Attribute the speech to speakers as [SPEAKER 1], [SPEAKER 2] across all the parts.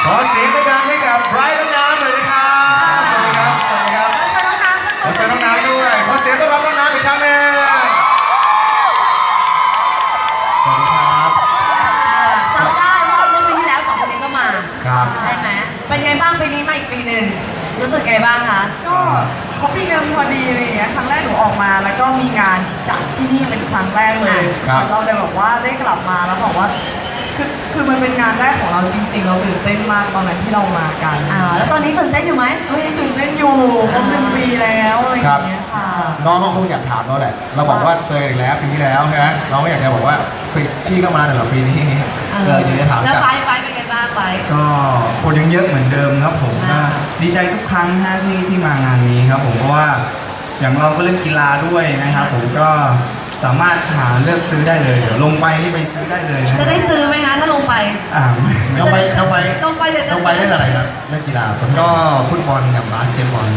[SPEAKER 1] ขอเสียงดังให้กับไบรท์และน้ำเลยนะครับสวัสดีครับสวัสดีครับขอเชิญน้องน้ำด้วยขอเสียงต้อนรับน้องน้ำอีกครั้งหนึ่งสวัสดีครับ
[SPEAKER 2] จำได้ว่าเมื่อปีที่แล้ว2 คนนี้ก็มา
[SPEAKER 1] ครับ
[SPEAKER 2] ใช่ไหมเป็นไงบ้างปีนี้มาอีกปีหนึ่งรู้สึกไงบ้างคะ
[SPEAKER 3] ก็ครบปีนึงพอดีอะไรอย่างเงี้ยครั้งแรกหนูออกมาแล้วก็มีงานจัดที่นี่เป็นครั้งแรกเลยเราเลยแบบว่าได้กลับมาแล้วบอกว่าคือมันเป็นงานแรกของเราจริงๆเราตื่นเต้นมากตอนนั้นที่เรามากัน
[SPEAKER 2] แล้วตอนนี้ตื่นเต้นอยู่ไหม
[SPEAKER 3] ก็ยังตื่นเต้นอยู่ครบ1 ปีแล้วอะไรอย่างเงี้ยค่ะ
[SPEAKER 1] น้องเขาคงอยากถามเราแหละเราบอกว่าเจออีกแล้วปีที่แล้วใช่ไหมน้องก็อยากจะบอกว่าพี่ก็มาแต่ละปีนี้เดี๋ยวจะถาม
[SPEAKER 2] แล้วไปเป็นไงบ้างไป
[SPEAKER 4] ก็คนยังเยอะเหมือนเดิมครับผมดีใจทุกครั้งที่มางานนี้ครับผมเพราะว่าอย่างเราก็เล่นกีฬาด้วยนะครับผมก็สามารถหาเลือกซื้อได้เลยเดี๋ยวลงไปนี่ไปซื้อได้เลย
[SPEAKER 2] จะได้ซื้อไหมคะถ้าลงไป
[SPEAKER 1] ลงไปเดี๋ยว
[SPEAKER 4] เล่นอะไรครับเล่นกีฬาก็ฟุตบอลกับบาสเกตบอล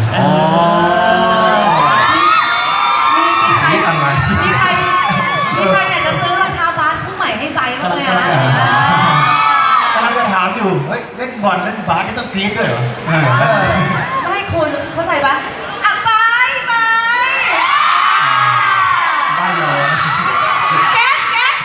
[SPEAKER 2] มีใครอยากจะซื้อรองเท้าบาสคู่ใหม่ให้ใบบ้างไหมคะ
[SPEAKER 1] กำลังจะถามอยู่เฮ้ยเล่นบอลเล่นบาสนี่ต้องกรี๊ดด้วยเหรอ
[SPEAKER 2] ไม่คุณเข้าใจปะไป
[SPEAKER 1] บ้านเรา
[SPEAKER 2] เก็บ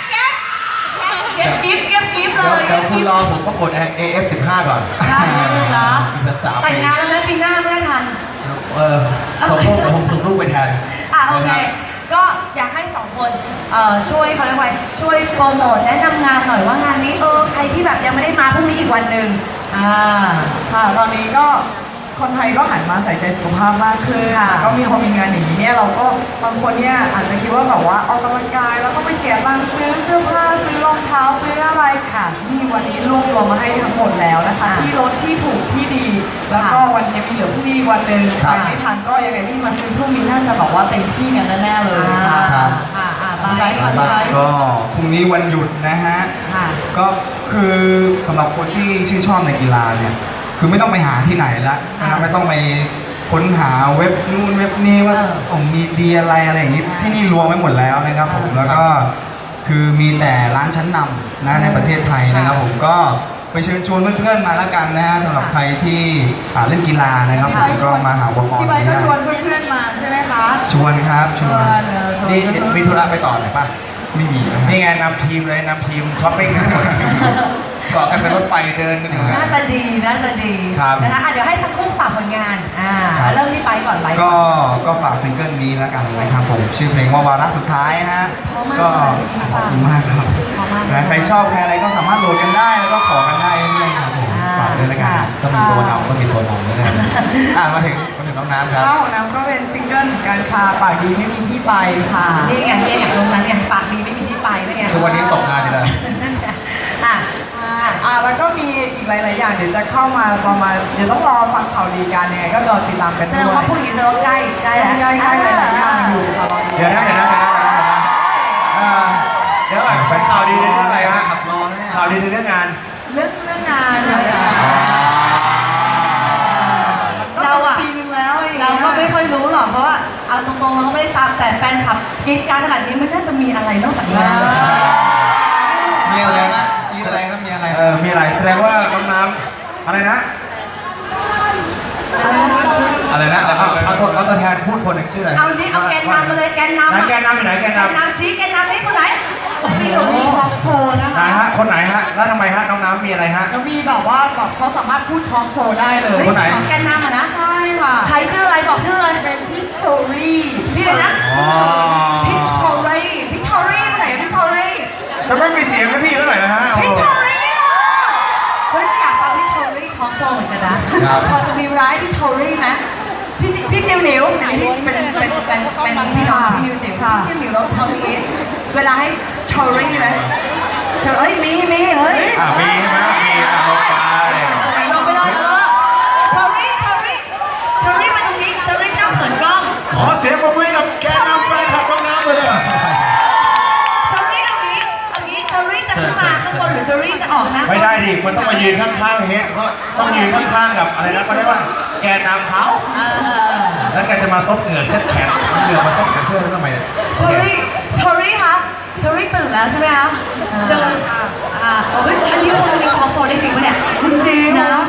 [SPEAKER 2] กิ๊บเลย
[SPEAKER 1] เดี๋ยวคุณรอผมก็กด AF15 ก่อน
[SPEAKER 2] ได้เหรอ
[SPEAKER 1] แต่
[SPEAKER 2] งงานแล้วไหมปีหน้าไม่ทัน
[SPEAKER 1] ผมส่งลูกไปแทน
[SPEAKER 2] โอเคก็อยากให้2 คนช่วยเขาเรียกว่าช่วยโปรโมทแนะนำงานหน่อยว่างานนี้ใครที่แบบยังไม่ได้มาพรุ่งนี้อีกวันหนึ่ง
[SPEAKER 3] ค่ะตอนนี้ก็คนไทยก็หันมาใส่ใจสุขภาพมากขึ้นก็มีพอมีงานอย่างนี้เนี่ยเราก็บางคนเนี่ยอาจจะคิดว่าแบบว่าออกกำลังกายแล้วก็ไปเสียตังค์ซื้อเสื้อผ้าซื้อรองเท้าซื้ออะไรค่ะนี่วันนี้รวบรวมมาให้ทั้งหมดแล้วนะคะที่ลดที่ถูกที่ดีแล้วก็วันนี้มีเหลือพรุ่งนี้วันหนึ่งใครไม่ทันก็ยังไงนี่มาซื้อพรุ่งนี้น่าจะบอกว่าเต็มที่กันแน่ๆเลยค่ะ
[SPEAKER 4] ไปก็พรุ่งนี้วันหยุดนะฮะก็คือสำหรับคนที่ชื่นชอบในกีฬาเนี่ยคือไม่ต้องไปหาที่ไหนละนะไม่ต้องไปค้นหาเว็บนู่นเว็บนี้ว่ามีดีอะไรอย่างนี้ที่นี่รวมไว้หมดแล้วนะครับผมแล้วก็คือมีแต่ร้านชั้นนำนะในประเทศไทยนะครับผมก็ไปเชิญชวนเพื่อนๆมาแล้วกันนะฮะสำหรับใครที่เล่นกีฬานะครับผมก็มาหาอุปกรณ์
[SPEAKER 3] พี่ใบก็ชวนเพื่อนๆมาใช่ไหมคะ
[SPEAKER 4] ชวนครับชวน
[SPEAKER 1] นี่มีธุระไปต่อไหนป่ะ
[SPEAKER 4] ไม่มี
[SPEAKER 1] นี่ไงนำทีมเลยนำทีมช้อปปิ้งทั้งหมดเกาะกันเป็นรถไฟเดินกันอยู่
[SPEAKER 2] น่าจะดีนะคะเดี๋ยวให้ทั้งคู่ฝากผลงานเริ่มที่ไปก่อนไป
[SPEAKER 4] ก็ฝากซิงเกิลนี้แล้วกันนะครับผมชื่อเพลงว่าวาระสุดท้ายฮะก็ขอบคุณมากครับใครชอบใครอะไรก็สามารถโหลดกันได้แล้วก็ขอกันได้เรื่อยๆครับผมฝากด้วยแล้วกัน
[SPEAKER 1] ต้องมีตัวนำต้องมีตัวนำด้วยนะมาถึงน้องน้ำครับ
[SPEAKER 3] ของน้ำก็เป็นซิงเกิลการคาปากดีไม่มีที่ไปค่ะ
[SPEAKER 2] นี่ไงตรงนั้นไงปากดีไม่มีที่ไปนี่ไง
[SPEAKER 1] ทุกวันนี้ตกงานอยู่เลย
[SPEAKER 3] แล้วก็มีอีกหลายๆอย่างเดี๋ยวจะเข้ามาประมาณเดี๋ยวต้องรอฟังข่าวดีกันยังไงก็รอติดตามกันด้วย
[SPEAKER 2] แสดงว่าพูดอย่างนี้แสดงว่าใกล้แล้ว
[SPEAKER 3] ใกล้หลายๆอย่างอยู่ค่ะ
[SPEAKER 1] เดี๋ยวนะเป็นข่าวดีในเรื่องอะไรฮะข่าวดีในเรื่องงาน
[SPEAKER 3] เรื่องงาน
[SPEAKER 2] เรา
[SPEAKER 3] ปีนึงแล้ว
[SPEAKER 2] เราก็ไม่ค่อยรู้หรอกเพราะว่าเอาตรงๆเราก็ไม่ได้ตามแต่แฟนคลับกิจการขนาดนี้มันน่าจะมีอะไรนอกจากงาน
[SPEAKER 4] มีอะไรครับมีอะไร
[SPEAKER 1] แสดงว่าน้องน้ำอะไรนะเอาตัวแทนพูดคนหนึ่งชื่ออะไร
[SPEAKER 2] เอาดิเอาแกนนำมาเลยแกนนำ
[SPEAKER 1] แกนนำอยู่ไหนแกนน
[SPEAKER 2] ำชี้แกนนำนี่คนไหน
[SPEAKER 3] มีหนูมีทอล์กโชว์นะคะ
[SPEAKER 1] ไหนฮะคนไหนฮะแล้วทำไมฮะน้องน้ำมีอะไรฮะ
[SPEAKER 3] ก็มีแบบว่าแบบเขาสามารถพูดทอล์กโชว์ได้เลย
[SPEAKER 1] คนไหน
[SPEAKER 2] แกนนำนะ
[SPEAKER 3] ใช่ค่ะ
[SPEAKER 2] ใช้ชื่ออะไรบอกชื่อเลย
[SPEAKER 3] เป็นพี่โชรี่
[SPEAKER 2] พี่อะไรนะพี่โชรี่คนไหนพี่โชรี่
[SPEAKER 1] จะไม่มีเสียงให้พี่เขาหน่อยนะฮะ
[SPEAKER 2] พี่โชรี่เฮ้ยอยากฟังพี่โชรี่ทอล์กโชว์เหมือนกันนะพอจะมีร้ายพี่โชรี่ไหมพี่จิ๋วหนิวอันนี้เป็นพี่น้องพี่นิวจิ๋วพี่จิ๋วหนิวแล้วทำอย่างนี้เวลาให้โชรี่ไหมมีเฮ้ย
[SPEAKER 1] มีใช่ไหมมี
[SPEAKER 2] ลงไปเลยโชรี่มาตรงนี้โชรี่นั่งเขินกล้อง
[SPEAKER 1] ขอเสียงปรบมือกับแกนำแฟนคลับน้องน้ำเลย
[SPEAKER 2] โชรี่ตรงนี้โชรี่จะขึ้นมาข้างบนหรือโชรี่จะออกนะ
[SPEAKER 1] ไม่ได้ดิมันต้องมายืนข้างๆเฮ้ยก็ต้องยืนข้างๆกับอะไรนะเขาเรียกว่าแกนำเขาแล้วแกจะมาซบเหงื่อเช็ดแขนเหงื่อมาซบแขนเสื้อทำไม
[SPEAKER 2] โชรี่คะโชรี่ตื่นแล้วใช่ไหมคะเดินอันนี้คนนี้คอโซได้จริงปะเนี่ย
[SPEAKER 3] จริง
[SPEAKER 2] นะ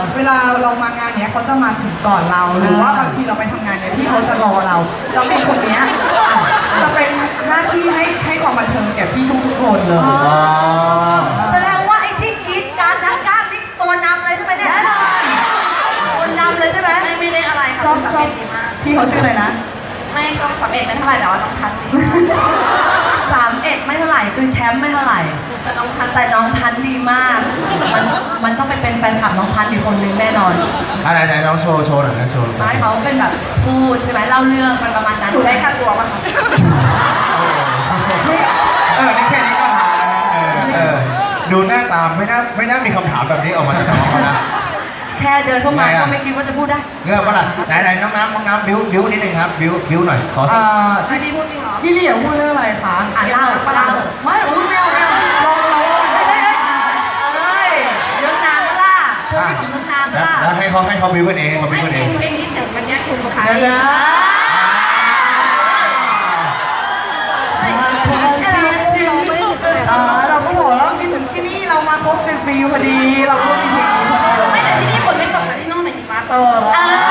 [SPEAKER 3] เวลาเรามางานเนี้ยเขาจะมาถึงก่อนเราหรือว่าบางทีเราไปทำงานเนี่ยพี่เขาจะรอเราแล้วมีคนเนี้ยจะเป็นหน้าที่ให้ความบันเทิงแก่พี่ทุกๆคนเลย
[SPEAKER 1] อ๋อ
[SPEAKER 2] แสดงว่าไอ้ที่กรีดการนักกล้ามนี่ตัวนำเลยใช่ไหมเนี่ย
[SPEAKER 3] แน่นอน
[SPEAKER 2] ตัวนำเลยใช่ไหม
[SPEAKER 5] ไม่ได้อะไร
[SPEAKER 3] ชอบ
[SPEAKER 5] ค่ะ
[SPEAKER 3] ชอบ
[SPEAKER 5] ดีมาก
[SPEAKER 3] พี่เขาชื่ออะไรนะ
[SPEAKER 5] ไม่ก็สำเร็จไม่เท่าไหร่แต่ว่าน้องพันธุ์ดีมาก
[SPEAKER 2] 31ไม่เท่าไหร่คือแชมป์ไม่เท่าไหร่
[SPEAKER 5] แต่น้องพันธุ์
[SPEAKER 2] แต่น้องพันธุ์ดีมาก มันต้องไปเป็นแฟนคลับน้องพันธุ์อีกคนนึงแน่นอน
[SPEAKER 1] ไหนน้องโชว์หน่อยนะโชว์หน่
[SPEAKER 2] ไม้
[SPEAKER 1] อย
[SPEAKER 2] เขาเป็นแบบพูดใช่ไหมเล่าเรื่องมันประมาณนั้น
[SPEAKER 5] หนูได้ค่าตัวป่ะคะ
[SPEAKER 1] นี่แค่นี้ก็หาแล้วนะดูหน้าตามไม่น่ามีคำถามแบบนี้ออกมาจากน้องเขานะ
[SPEAKER 2] แค่เดินเข้ามา
[SPEAKER 1] ไงอะ
[SPEAKER 2] ก็ไม่คิดว่าจะพูดได้
[SPEAKER 1] เงื่อนปะล่ะไหนน้องน้ำบิ้วนิดนึงครับบิ้วหน่อยขอสัก
[SPEAKER 5] อันนี้พูดจริงเหรอ
[SPEAKER 3] พี่ลี่อยากพูดเรื่องอะไรคะ
[SPEAKER 2] อ่ะเล่า
[SPEAKER 3] ไม่อุ้ยไม่เอาลองเรา
[SPEAKER 2] เอ้ยเรื่องนานปะล่ะช่วยถึงเรื่องนานปะล่ะ
[SPEAKER 1] แล้วให้เขาบิ้วกันเองเขา
[SPEAKER 5] ไม่
[SPEAKER 1] บิ้วกัน
[SPEAKER 5] เอ
[SPEAKER 1] เอง
[SPEAKER 5] งเองคิดถึงมันแยกคุณปะคะ
[SPEAKER 3] เดี๋ยวนะ เราก็บอกแล้วคิดถึงที่นี่เรามาครบ1 ปีพอดี เราก็มีเพลงนี้พอดี
[SPEAKER 5] ไม่แต่ที่นี่ฝนไม่ตกแต่ที่โน่นหิมะตก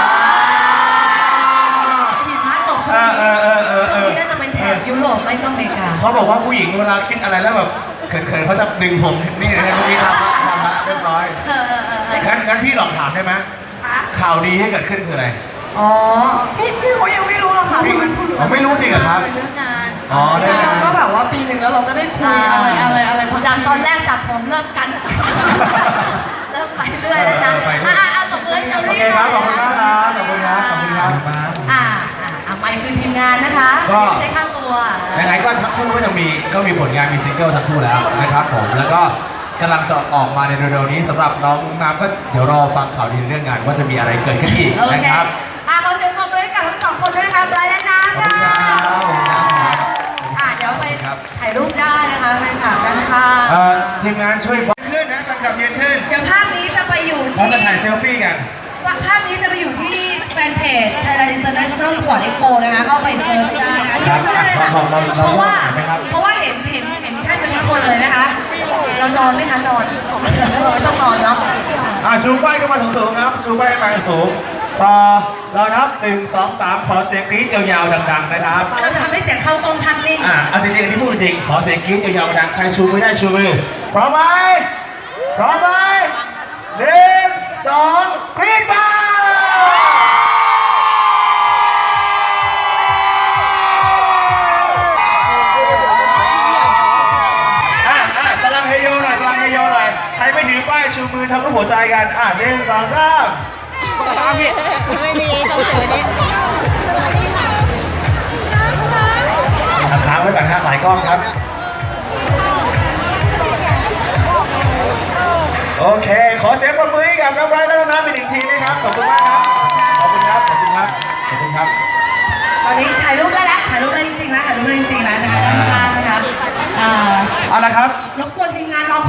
[SPEAKER 2] หิมะตกช่วงนี้ช่วงนี้น่าจะเป็นแถบยุโรปไม่ก็อเมริกา
[SPEAKER 1] เขาบอกว่าผู้หญิงเวลาคิดอะไรแล้วแบบเขินเขาจะดึงผมนี่นะเมื่อกี้ทำละเรียบร้อยงั้นพี่ลองถามได้ไหม
[SPEAKER 5] คะ
[SPEAKER 1] ข่าวดีที่เกิดขึ้นคืออะไร
[SPEAKER 3] อ๋อพี่เขายังไม่รู้หรอกค่ะ
[SPEAKER 1] พี่อ๋อไม่รู้จริงเหรอครับ
[SPEAKER 3] เป็นเรื่องงาน
[SPEAKER 1] อ๋อได้
[SPEAKER 3] เรา
[SPEAKER 1] นะ
[SPEAKER 3] ก็แบบว่าปีหนึ่งแล้วเราก็ได้คุยอะไร
[SPEAKER 2] จากตอนแรกจับผมเริ่มกัน เริ่มไปเรื่อยแล้วนะเอาตบมือให้เชอ
[SPEAKER 1] โอ
[SPEAKER 2] รี่
[SPEAKER 1] เคครับขอบคุณมากครับขอบคุณครับขอบคุณครับ
[SPEAKER 2] ไปคือทีมงานนะคะ
[SPEAKER 1] ก็
[SPEAKER 2] ไม่ใช่ค่าตัว
[SPEAKER 1] ไหนๆก็ทั้งคู่ก็จะมีผลงานมีซิงเกิลทั้งคู่แล้วนะครับผมแล้วก็กำลังจะออกมาในเร็วๆนี้สำหรับน้องน้ำก็เดี๋ยวรอฟังข่าวดีเรื่องงานว่าจะมีอะไรเกิดขึ้นอีก
[SPEAKER 2] โอ
[SPEAKER 1] นะ
[SPEAKER 2] เค
[SPEAKER 1] ครับ
[SPEAKER 2] ขอเสียงปรบมือให้กับทั้งสองคนด้วยนะคะไบรท์และน้ำ
[SPEAKER 1] ขอบ
[SPEAKER 2] ค่ะ
[SPEAKER 1] คุณครับ
[SPEAKER 2] เดี๋ยวไปถ่ายรูปได้นะคะแฟนคลับกันค่ะ
[SPEAKER 1] ทีมงานช่วยบอกขึ้นนะแฟนคลับยืนขึ้น
[SPEAKER 2] เดี๋ยวภาพนี้จะไปอยู่
[SPEAKER 1] เรา
[SPEAKER 2] ที่
[SPEAKER 1] จะถ่ายเซลฟี่กัน
[SPEAKER 2] ภาพนี้จะไปอยู่ที่แฟนเพจ Thailand International Sport Expo นะคะเข้าไปเซิร์ชได้นะคะ
[SPEAKER 1] ครับ
[SPEAKER 2] เพราะว่า
[SPEAKER 1] เห็นไหมครับ
[SPEAKER 2] เห็นแทบจะทุกคนเลยนะคะ เรานอนไหมคะนอนไม่ต้องนอนเนาะ
[SPEAKER 1] ชูป้ายขึ้นมาสูงๆครับชูป้ายขึ้นมาสูงพอเรานับ1 2 3ขอเสียงกรี๊ดยาวๆดังๆนะครับ
[SPEAKER 2] เราจะทำให้เสียงเข้ากล้องพักนิ่ง
[SPEAKER 1] เอาจริงๆอันนี้พูดจริงขอเสียงกรี๊ดยาวๆดังใครชูไม่ได้ชูมือพร้อมไหม1 2กรี๊ดมาสลังเฮโยหน่อยสลังเฮโยหน่อยใครไม่ถือป้ายชูมือทำรูปหัวใจกัน1 2 3
[SPEAKER 6] ไม่มีต้องเจอเนี่ย
[SPEAKER 1] ค้างไว้ก่อนฮะหลายกล้องครับ โอเค ขอเสียงปรบมือให้กับน้องไบรท์และน้องน้ำอีก1 ทีนะครับ ขอบคุณมากครับ ขอบคุณครับ ขอบคุณครับ ขอบคุณครับ
[SPEAKER 2] ตอนนี้ถ่ายรูปได้แล้วถ่ายรูปได้จริงๆนะถ่ายรูปได้จริงๆนะนะคะด้านข้างนะคะ
[SPEAKER 1] เอาละครับ
[SPEAKER 2] รบกวนทีมงานเรา